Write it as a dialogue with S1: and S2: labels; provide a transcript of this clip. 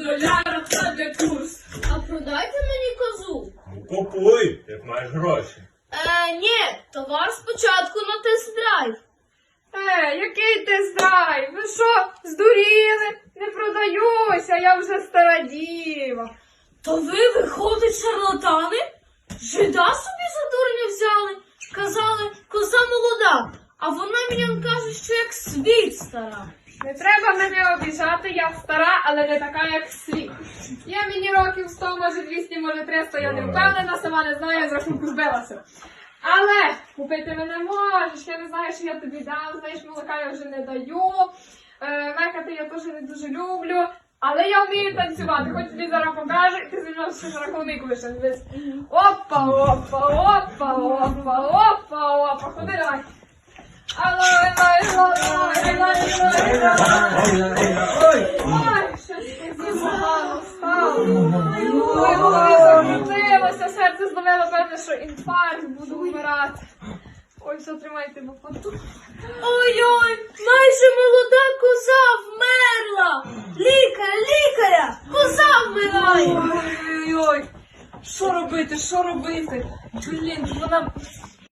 S1: доляра це де курс.
S2: А продайте мені козу.
S3: Купуй, як маєш гроші.
S2: Ні, товар спочатку на тест-драйв.
S1: Який тест-драйв? Ви що, здуріли? Не продаюся, я вже стара діва.
S2: То ви, виходить, шарлатани? Жида собі за дурня взяли. Казали, коза молода, а вона мені каже, що як світ стара.
S1: Не треба мене обіжати, я стара, але не така, як світ. Є мені років 100, може 200, може 300, я не впевнена, сама не знаю, я з рахунку збилася. Але купити мене можеш, я не знаю, що я тобі дам, знаєш, молока я вже не даю, мекати я теж не дуже люблю, але я вмію танцювати, хоч тобі зараз покажу, і ти зі мною ще рахунок вийшов. Опа, опа, опа, опа, опа, опа, ходи давай. Ой, щось таке погано стало. Ой, голові закрутилося, серце зловило, певне, що інфаркт, буду вмирати. Ой, все, тримайте бухоту.
S2: Ой-ой, майже молода коза вмерла. Лікаря, коза вмирає.
S1: Ой-ой-ой, що робити, що робити? Блін, вона